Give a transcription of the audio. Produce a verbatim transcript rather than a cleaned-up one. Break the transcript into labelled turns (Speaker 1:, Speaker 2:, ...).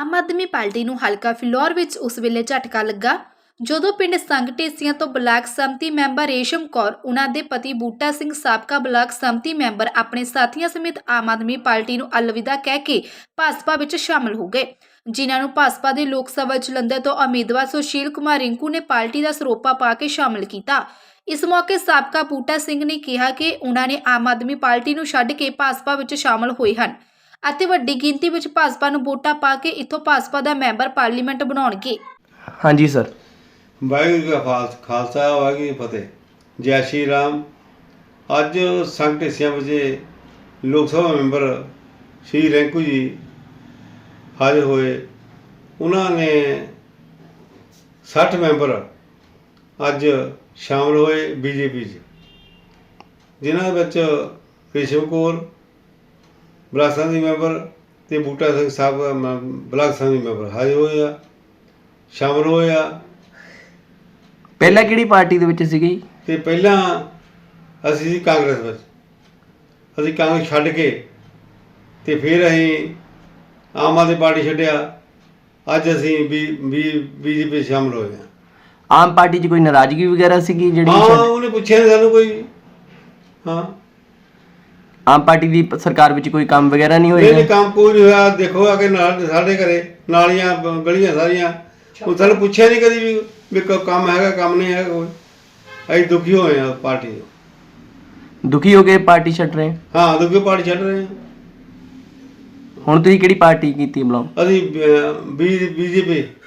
Speaker 1: ਆਮ ਆਦਮੀ party ਨੂੰ ਹਲਕਾ ਫਿਲੌਰ ਵਿੱਚ ਉਸ ਵੇਲੇ ਝਟਕਾ ਲੱਗਾ ਜਦੋਂ ਪਿੰਡ ਸੰਘ ਢੇਸੀਆਂ ਤੋਂ ਬਲਾਕ ਸੰਮਤੀ ਮੈਂਬਰ ਰੇਸ਼ਮ ਕੌਰ ਉਹਨਾਂ ਦੇ ਪਤੀ ਬੂਟਾ ਸਿੰਘ ਸਾਬਕਾ ਬਲਾਕ ਸੰਮਤੀ ਮੈਂਬਰ ਆਪਣੇ ਸਾਥੀਆਂ ਸਮੇਤ ਆਮ ਆਦਮੀ ਪਾਰਟੀ ਨੂੰ ਅਲਵਿਦਾ ਕਹਿ ਕੇ ਭਾਜਪਾ ਵਿੱਚ ਸ਼ਾਮਲ ਹੋ ਗਏ, ਜਿਨ੍ਹਾਂ ਨੂੰ ਭਾਜਪਾ ਦੇ ਲੋਕ ਸਭਾ ਜਲੰਧਰ ਤੋਂ ਉਮੀਦਵਾਰ ਸੁਸ਼ੀਲ ਕੁਮਾਰ ਰਿੰਕੂ ਨੇ ਪਾਰਟੀ ਦਾ ਸਰੋਪਾ ਪਾ ਕੇ ਸ਼ਾਮਲ ਕੀਤਾ। ਇਸ ਮੌਕੇ ਸਾਬਕਾ ਬੂਟਾ ਸਿੰਘ ਨੇ ਕਿਹਾ ਕਿ ਉਹਨਾਂ ਨੇ ਆਮ ਆਦਮੀ ਪਾਰਟੀ ਨੂੰ ਛੱਡ ਕੇ ਭਾਜਪਾ ਵਿੱਚ ਸ਼ਾਮਲ ਹੋਏ ਹਨ ਅਤੇ ਵੱਡੀ ਗਿਣਤੀ ਵਿੱਚ ਭਾਜਪਾ ਨੂੰ ਵੋਟਾਂ ਪਾ ਕੇ ਇੱਥੋਂ ਭਾਜਪਾ ਦਾ ਮੈਂਬਰ ਪਾਰਲੀਮੈਂਟ ਬਣਾਉਣਗੇ।
Speaker 2: ਹਾਂਜੀ ਸਰ।
Speaker 3: ਵਾਹਿਗੁਰੂ ਜੀ ਕਾ ਖਾਲਸਾ ਵਾਹਿਗੁਰੂ ਜੀ ਕੀ ਫਤਿਹ। ਜੈ ਸ਼੍ਰੀ ਰਾਮ। ਅੱਜ ਸੰਘ ਢੇਸੀਆਂ ਵਿੱਚ ਲੋਕ ਸਭਾ ਮੈਂਬਰ ਸ਼੍ਰੀ ਰਿੰਕੂ ਜੀ ਹਾਜ਼ਰ ਹੋਏ। ਉਹਨਾਂ ਨੇ ਸੱਠ ਮੈਂਬਰ ਅੱਜ ਸ਼ਾਮਲ ਹੋਏ ਬੀਜੇਪੀ 'ਚ, ਜਿਨ੍ਹਾਂ ਵਿੱਚ ਰੇਸ਼ਮ ਕੌਰ ਬਲਾਕ ਸੰਮਤੀ ਮੈਂਬਰ ਅਤੇ ਬੂਟਾ ਸਿੰਘ ਸਾਹਿਬ ਬਲਾਕ ਸੰਮਤੀ ਮੈਂਬਰ ਹਾਜ਼ਰ ਹੋਏ ਆ, ਸ਼ਾਮਲ ਹੋਏ ਆ।
Speaker 2: ਪਹਿਲਾਂ ਕਿਹੜੀ ਪਾਰਟੀ ਦੇ ਵਿੱਚ ਸੀਗੇ?
Speaker 3: ਅਤੇ ਪਹਿਲਾਂ ਅਸੀਂ ਸੀ ਕਾਂਗਰਸ ਵਿੱਚ। ਅਸੀਂ ਕਾਂਗਰਸ ਛੱਡ ਕੇ ਅਤੇ ਫਿਰ ਅਸੀਂ ਆਮ ਆਦਮੀ ਪਾਰਟੀ ਛੱਡਿਆ। ਅੱਜ ਅਸੀਂ ਬੀ ਬੀ ਬੀਜੇਪੀ ਸ਼ਾਮਲ ਹੋਏ ਹਾਂ।
Speaker 2: ਆਮ ਪਾਰਟੀ 'ਚ ਕੋਈ ਨਾਰਾਜ਼ਗੀ ਵਗੈਰਾ ਸੀਗੀ ਜਿਹੜੀ?
Speaker 3: ਹਾਂ, ਉਹਨੇ ਪੁੱਛਿਆ ਨਹੀਂ ਸਾਨੂੰ ਕੋਈ। ਹਾਂ,
Speaker 2: ਆਮ ਪਾਰਟੀ ਦੀ ਸਰਕਾਰ ਵਿੱਚ ਕੋਈ ਕੰਮ ਵਗੈਰਾ ਨਹੀਂ ਹੋਇਆ?
Speaker 3: ਨਹੀਂ, ਕੰਮ ਕੋਈ ਨਹੀਂ ਹੋਇਆ। ਦੇਖੋ ਆ ਕੇ ਨਾਲ ਸਾਡੇ ਘਰੇ ਨਾਲੀਆਂ ਗਲੀਆਂ ਸਾਰੀਆਂ, ਉਹ ਸਾਨੂੰ ਪੁੱਛਿਆ ਨਹੀਂ ਕਦੀ ਵੀ ਵੀ ਕੰਮ ਹੈਗਾ ਕੰਮ ਨਹੀਂ ਹੈਗਾ ਕੋਈ। ਅਸੀਂ ਦੁਖੀ ਹੋਏ ਹਾਂ ਪਾਰਟੀ ਤੋਂ।
Speaker 2: ਦੁਖੀ ਹੋ ਕੇ ਪਾਰਟੀ ਛੱਡ ਰਹੇ?
Speaker 3: ਹਾਂ, ਦੁਖੀ ਪਾਰਟੀ ਛੱਡ ਰਹੇ ਹਾਂ।
Speaker 2: ਹੁਣ ਤੁਸੀਂ ਕਿਹੜੀ ਪਾਰਟੀ ਕੀਤੀ ਬਿਲੋਂਗ?
Speaker 3: ਅਸੀਂ ਬੀ ਬੀਜੇਪੀ